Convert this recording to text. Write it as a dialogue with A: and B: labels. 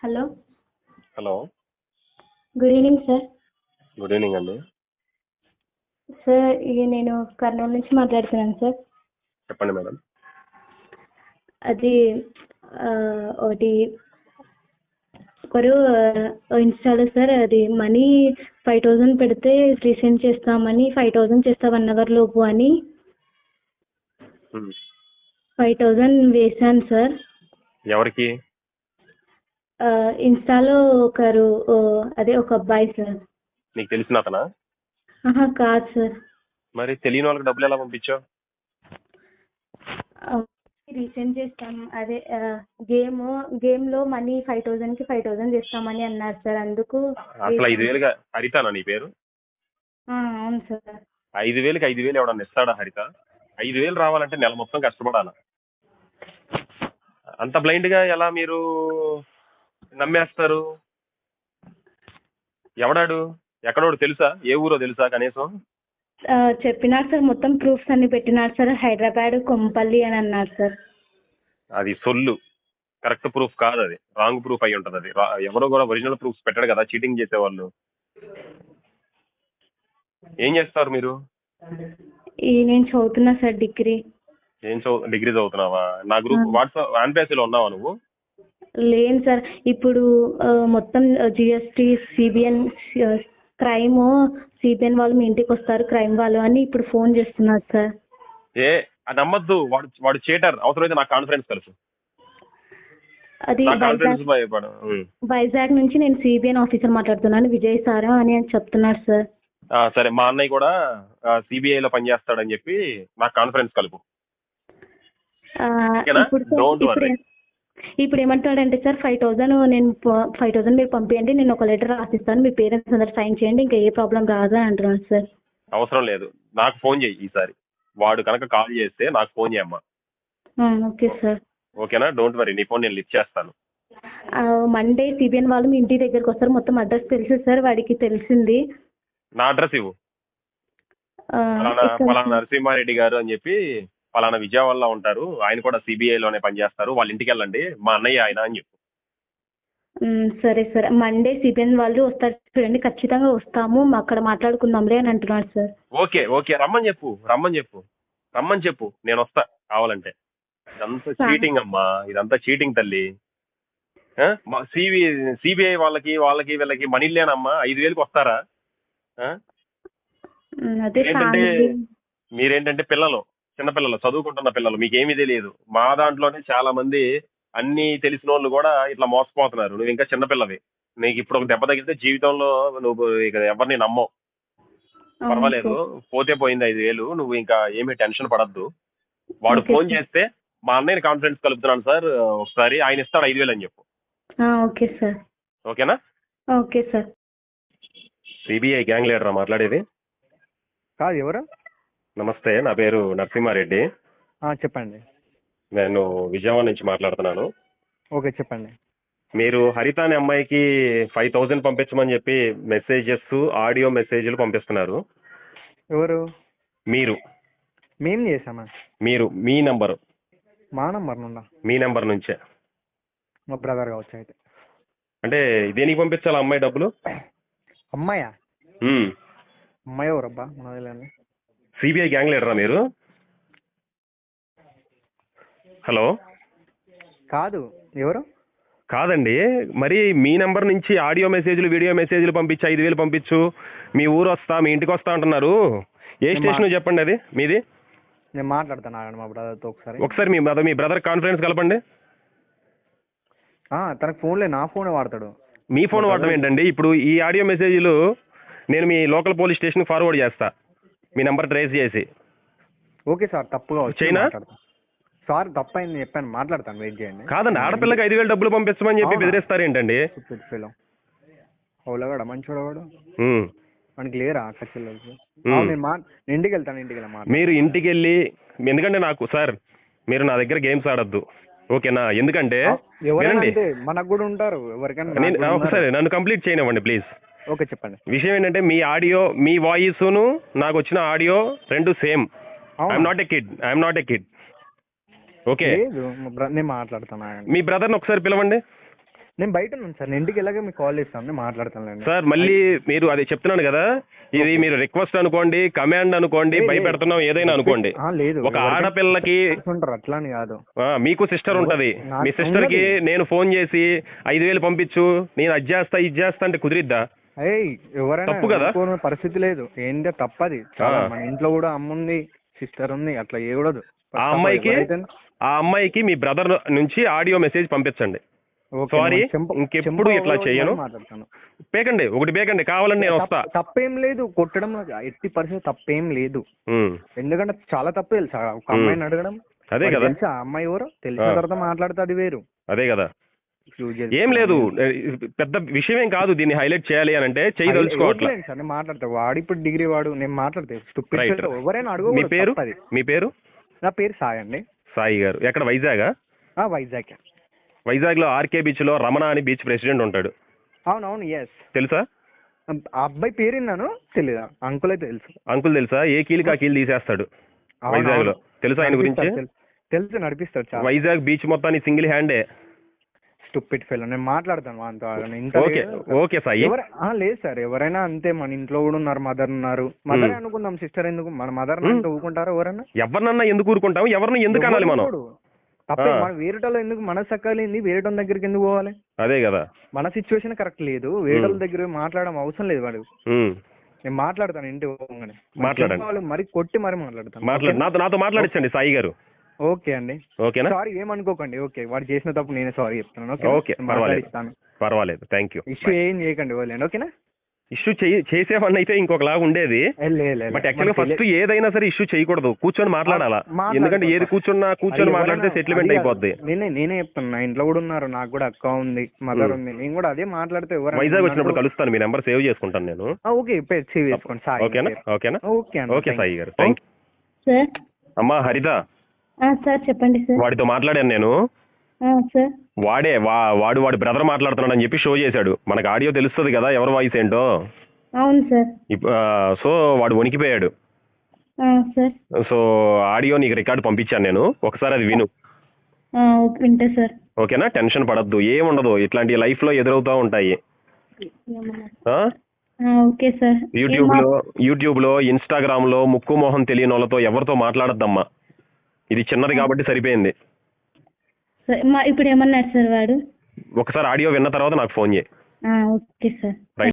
A: Hello.
B: Hello.
A: Good evening sir.
B: Good evening అండి.
A: Sir ఇది నేను కర్నూలు నుంచి మాట్లాడుతున్నాను సార్.
B: చెప్పండి మేడం.
A: అది ఒకటి ఒకరు ఇన్స్టాలో సార్ అది మనీ 5000 పెడితే రీసెండ్ చేస్తామని 5000 చేస్తా 1 hour లోపు అని 5000 వేసాను సార్.
B: ఎవరికి?
A: ఇన్స్టాలో ఒకరు అదే ఒక అబ్బాయి సార్.
B: నీకు తెలిసిన అతనా?
A: కాదు సార్.
B: మరి తెలియని వాళ్ళకి డబ్బులు ఎలా పంపించావు?
A: రీసెండ్ చేస్తాం అదే గేమ్ లో మనీ 5000 కి 5000 చేస్తామని అన్నారు సార్. అందుకు
B: అసలు 5000 హరితానా నీ పేరు?
A: అవును సార్.
B: 5000కి 5000 ఎవడన్నా ఇస్తాడా హరిత? 5000 రావాలంటే నెల మొత్తం కష్టపడాలా. అంత బ్లైండ్ గా ఎలా మీరు నమ్మేస్తారు? ఎవడాడు? ఎక్కడోడు తెలుసా? ఏ ఊరో తెలుసా కనీసం?
A: చెప్పినారు సార్, మొత్తం ప్రూఫ్స్ అన్ని పెట్టినారు సార్. హైదరాబాద్ కొంపల్లి అని అన్నారు సార్.
B: అది సొల్లు, కరెక్ట్ ప్రూఫ్ కాదు, అది రాంగ్ ప్రూఫ్ అయి ఉంటది. అది ఎవరో కూడా ఒరిజినల్ ప్రూఫ్స్ పెట్టాడు కదా చీటింగ్ చేసేవాళ్ళు. ఏం చేస్తారు మీరు?
A: నేను చదువుతున్నా సార్, డిగ్రీ.
B: డిగ్రీ చదువుతున్నావా? నా గ్రూప్ వాట్సాప్ ఆన్పేసీలో ఉన్నావా నువ్వు?
A: లేను సార్. ఇప్పుడు మొత్తం జిఎస్టీ సిబిఎన్ క్రైమ్ సిబిఎన్ వాళ్ళు మీ ఇంటికి వస్తారు, క్రైమ్ వాళ్ళు అని ఇప్పుడు ఫోన్ చేస్తున్నారు సార్.
B: అది నమ్మద్దు. వాడు చీటర్. అవసరమైతే నాకు కాన్ఫరెన్స్ కలుసు.
A: అది వైజాగ్ నుంచి నేను సిబిఎన్ ఆఫీసర్ మాట్లాడుతున్నాను, విజయ్ సార్ అని చెప్తున్నారు సార్.
B: సరే, మా అన్నయ్య కూడా సిబిఐలో పనిచేస్తాడని చెప్పి నాకు కాన్ఫరెన్స్ కలుపు.
A: ఇప్పుడు ఏమంటాడంటే సార్ 5000 మీరు పంపించండి, నేను ఒక లెటర్ రాసిస్తాను, మీ పేరెంట్స్ అందరు సైన్ చేయండి, ఇంకా ఏ ప్రాబ్లం రాదు అని అంటున్నాడు సార్.
B: అవసరం లేదు, నాకు ఫోన్ చేయి ఈసారి. వాడు కనుక కాల్ చేస్తే నాకు ఫోన్ చేయమ్మా.
A: Okay sir.
B: ఓకేనా? డోంట్ వరీ, నీ ఫోన్ నేను లిఫ్ట్ చేస్తాను.
A: మండే సిబిఎన్ వాళ్ళు మీ ఇంటి దగ్గరకు వస్తారు. మొత్తం అడ్రస్ తెలుసు సార్, వాడికి తెలిసింది.
B: నా అడ్రస్ ఇవ్వు. పలానా నరసింహారెడ్డి గారు అని చెప్పి పలానా విజయవాడలో ఉంటారు, ఆయన కూడా సిబిఐలోనే పనిచేస్తారు, వాళ్ళ ఇంటికి వెళ్ళండి, మా అన్నయ్య ఆయన అని చెప్పు.
A: సరే సార్, మండే సిబిఎన్ వాళ్ళు వస్తారు చూడండి, ఖచ్చితంగా వస్తాము, అక్కడ మాట్లాడుకుందాంలే అని అంటున్నాడు సార్.
B: ఓకే ఓకే, రమ్మని చెప్పు, నేను వస్తా కావాలంటే. ఇదంతా చీటింగ్ అమ్మా, ఇదంతా చీటింగ్ తల్లి. సిబిఐ వాళ్ళకి వీళ్ళకి మనీ లేనమ్మా. 5000కి వస్తారా? మీరేంటంటే పిల్లలు, చిన్నపిల్లలు, చదువుకుంటున్న పిల్లలు, మీకేమీ తెలియదు. మా దాంట్లోనే చాలా మంది అన్ని తెలిసిన వాళ్ళు కూడా ఇట్లా మోసపోతున్నారు. నువ్వు ఇంకా చిన్నపిల్లవి. నీకు ఇప్పుడు ఒక దెబ్బ తగిలితే జీవితంలో నువ్వు ఇక ఎవరిని నమ్మవు. పర్వాలేదు, పోతే పోయింది 5000. నువ్వు ఇంకా ఏమీ టెన్షన్ పడద్దు. వాడు ఫోన్ చేస్తే మా అన్నయ్యని కాన్ఫరెన్స్ కలుపుతున్నాను సార్ ఒకసారి, ఆయన ఇస్తాడు 5000 అని చెప్పు.
A: Okay sir.
B: ఓకేనా?
A: Okay sir.
B: సిబిఐ గ్యాంగ్ లీడరా మాట్లాడేది?
C: కాదు, ఎవరు?
B: నమస్తే, నా పేరు నరసింహారెడ్డి.
C: చెప్పండి.
B: నేను విజయవాడ నుంచి మాట్లాడుతున్నాను.
C: ఓకే, చెప్పండి.
B: మీరు హరిత అనే అమ్మాయికి 5000 పంపించమని చెప్పి మెసేజెస్, ఆడియో మెసేజ్లు పంపిస్తున్నారు.
C: ఎవరు?
B: మీరు.
C: మేం చేసామా?
B: మీరు, మీ నంబరు.
C: మా నంబర్ నుండా? మీ
B: నంబర్ నుంచే.
C: మా బ్రదర్ కావచ్చు అయితే.
B: అంటే దేనికి పంపించాలి అమ్మాయి డబ్బులు?
C: అమ్మాయా? అమ్మాయి ఎవరబ్బా? మనది
B: సిబిఐ గ్యాంగ్ లీడరా మీరు? హలో.
C: కాదు, ఎవరు?
B: కాదండి, మరి మీ నెంబర్ నుంచి ఆడియో మెసేజ్లు, వీడియో మెసేజ్లు పంపించి 5000 పంపించు, మీ ఊరు వస్తా, మీ ఇంటికి వస్తా అంటున్నారు. ఏ స్టేషన్ చెప్పండి అది మీది?
C: నేను మాట్లాడతాను మా బ్రదర్తో
B: ఒకసారి. మీ బ్రదర్ కాన్ఫరెన్స్ కలపండి.
C: తనకు ఫోన్లే, నా ఫోనే వాడతాడు.
B: మీ ఫోన్ వాడటం ఏంటండి? ఇప్పుడు ఈ ఆడియో మెసేజ్లు నేను మీ లోకల్ పోలీస్ స్టేషన్ ఫార్వర్డ్ చేస్తా, మీ నెంబర్ ట్రేస్ చేసి.
C: ఓకే సార్, తప్పుగా
B: చైనా
C: సార్, తప్పైంది చెప్పాను, మాట్లాడతాను, వెయిట్ చేయండి.
B: కాదండి, ఆడపిల్లకి 5000 డబ్బులు పంపిస్తామని చెప్పి బెదిరిస్తారు ఏంటండి?
C: అవులగాడ మంచోడవాడు, మనకి లేరా ఖర్చులు? ఇంటికి వెళ్తాను.
B: మీరు ఇంటికి వెళ్ళి, ఎందుకంటే నాకు సార్, మీరు నా దగ్గర గేమ్స్ ఆడద్దు, ఓకేనా? ఎందుకంటే
C: మనకు కూడా ఉంటారు ఎవరికైనా.
B: ఒకసారి నన్ను కంప్లీట్ చేయనివ్వండి ప్లీజ్.
C: ఓకే, చెప్పండి.
B: విషయం ఏంటంటే మీ ఆడియో, మీ వాయిస్ను నాకు వచ్చిన ఆడియో రెండు same. I'm not a kid. Okay,
C: నేను మాట్లాడతాను.
B: మీ బ్రదర్ని ఒకసారి పిలవండి.
C: నేను బయట ఉన్నాను సార్, నేను ఇంటికి వెళ్ళగా మీకు కాల్ చేస్తాను, నేను మాట్లాడతాను
B: సార్. మళ్ళీ మీరు అది చెప్తున్నాను కదా, ఇది మీరు రిక్వెస్ట్ అనుకోండి, కమాండ్ అనుకోండి, భయపెడుతున్నాం ఏదైనా అనుకోండి.
C: లేదు,
B: ఒక ఆడపిల్లకి
C: ఉంటారు అట్లా అని కాదు.
B: మీకు సిస్టర్ ఉంటది, మీ సిస్టర్ కి నేను ఫోన్ చేసి 5,000 పంపించు, నేను అది చేస్తా ఇది చేస్తా అంటే కుదిరిద్దా?
C: ఎవరైనా
B: తప్పు కదా,
C: పరిస్థితి లేదు, ఏంటో తప్పది. మన ఇంట్లో కూడా అమ్మ ఉంది, సిస్టర్ ఉంది, అట్లా చేయకూడదు.
B: ఆ అమ్మాయికి మీ బ్రదర్ నుంచి ఆడియో మెసేజ్ పంపించండి. సారీ, ఇంకెప్పుడు ఇట్లా చేయను. పేకండి, ఒకటి పేకండి, కావాలని నేను వస్తా.
C: తప్పేం లేదు, కొట్టడం ఎట్టి పరిస్థితి తప్పేం లేదు. ఎందుకంటే చాలా తప్పు తెలుసా ఒక అమ్మాయిని అడగడం.
B: అదే కదా,
C: తెలుసా ఆ అమ్మాయి ఎవరో తెలిసిన తర్వాత మాట్లాడితే అది వేరు.
B: అదే కదా, ఏం లేదు, పెద్ద విషయం ఏం కాదు. దీన్ని హైలైట్ చేయాలి అని అంటే చెయ్యి తెలుసుకోవట్లేదు
C: సార్. నేను మాట్లాడతా, వాడు ఇప్పుడు డిగ్రీ వాడు, నేను మాట్లాడతా. ఎవరైనా అడుగు.
B: మీ పేరు?
C: నా పేరు సాయి అండి.
B: సాయి గారు ఎక్కడ? వైజాగా?
C: వైజాగ్.
B: వైజాగ్ లో ఆర్కే బీచ్ లో రమణ అని బీచ్ ప్రెసిడెంట్ ఉంటాడు.
C: అవునవును, ఎస్.
B: తెలుసా?
C: ఆ అబ్బాయి పేరు విన్నాను, తెలీదా? అంకుల్ అయితే తెలుసు.
B: అంకుల్ తెలుసా? ఏ కీలుకి ఆ కీలు తీసేస్తాడు వైజాగ్ లో. తెలుసా ఆయన గురించి?
C: తెలుసు, నడిపిస్తాడు.
B: వైజాగ్ బీచ్ మొత్తాన్ని సింగిల్ హ్యాండే.
C: Stupid fellow. నేను మాట్లాడతాను వాంతో.
B: ఓకే సాయి.
C: లేదు సార్, ఎవరైనా అంతే. మన ఇంట్లో కూడా ఉన్నారు, మదర్ ఉన్నారు. మదర్ అనుకుందాం, సిస్టర్ ఎందుకు? మన మదర్ అంటే ఊరుకుంటారా ఎవరన్నా?
B: ఎవరినన్నా ఎందుకు ఊరుకుంటాం? ఎవరిని ఎందుకు అనాలి మనం?
C: తప్పే. మనం వేరేటోళ్ళు ఎందుకు మన సక్కలేంది, వేరేటోళ్ళ దగ్గరికి ఎందుకు పోవాలి? అదే కదా, మన సిచ్యువేషన్ కరెక్ట్ లేదు, వేరేటోళ్ళ దగ్గర మాట్లాడడం అవసరం లేదు వాడు. నేను మాట్లాడతాను ఇంటి పోగానే. మాట్లాడండి, మరి కొట్టి మరి మాట్లాడతాను.
B: నాతో మాట్లాడించండి సాయి గారు.
C: ఓకే అండి. ఓకేనా? సారీ ఏమనుకోకండి. ఓకే, వాడు చేసిన తప్పు నేనే సారీ చెప్తున్నాను.
B: ఓకే, పర్వాలేదు, థ్యాంక్ యూ.
C: ఇష్యూ ఏం చేయకండి, వదిలేండి. ఓకేనా?
B: ఇష్యూ చేసేవాడిని అయితే ఇంకొకలాగా ఉండేది. బట్ యాక్చువల్గా ఫస్ట్ ఏదైనా సరే ఇష్యూ చేయకూడదు, కూర్చొని మాట్లాడాలా. ఎందుకంటే ఏది కూర్చొని మాట్లాడితే సెటిల్మెంట్ అయిపోద్ది.
C: నేనే చెప్తున్నా, ఇంట్లో కూడా ఉన్నారు, నాకు కూడా అక్క ఉంది, మదర్ ఉంది. నేను కూడా అదే మాట్లాడితే
B: వైజాగ్ వచ్చినప్పుడు కలుస్తాను, మీ నెంబర్ సేవ్ చేసుకుంటాను నేను.
C: ఓకే, సేవ్ చేసుకోండి.
B: ఓకేనా? ఓకే సాయి గారు, థ్యాంక్
A: యూ.
B: అమ్మా హరిత.
A: సార్ చెప్పండి సార్.
B: వాడితో మాట్లాడాను నేను.
A: సార్
B: వాడి బ్రదర్ మాట్లాడుతున్నాడు అని చెప్పి షో చేశాడు. మనకు ఆడియో తెలుస్తుంది కదా ఎవరి వాయిస్ ఏంటో.
A: అవును సార్.
B: సో వాడు వణికిపోయాడు.
A: సార్
B: సో ఆడియో నీకు రికార్డు పంపించాను నేను, ఒకసారి అది విను.
A: వింటా సార్.
B: ఓకేనా? టెన్షన్ పడద్దు, ఏముండదు, ఇట్లాంటి లైఫ్ లో ఎదురవుతా ఉంటాయి.
A: Okay sir.
B: యూట్యూబ్ లో ఇన్స్టాగ్రామ్ లో ముక్కు మొహం తెలియని వాళ్ళతో ఎవరితో మాట్లాడద్దమ్మా. ఇది చిన్నది కాబట్టి సరిపోయింది.
A: ఇప్పుడు ఏమన్నాడు సార్ వాడు?
B: ఒకసారి ఆడియో విన్న తర్వాత నాకు ఫోన్ చేయి.
A: Okay sir.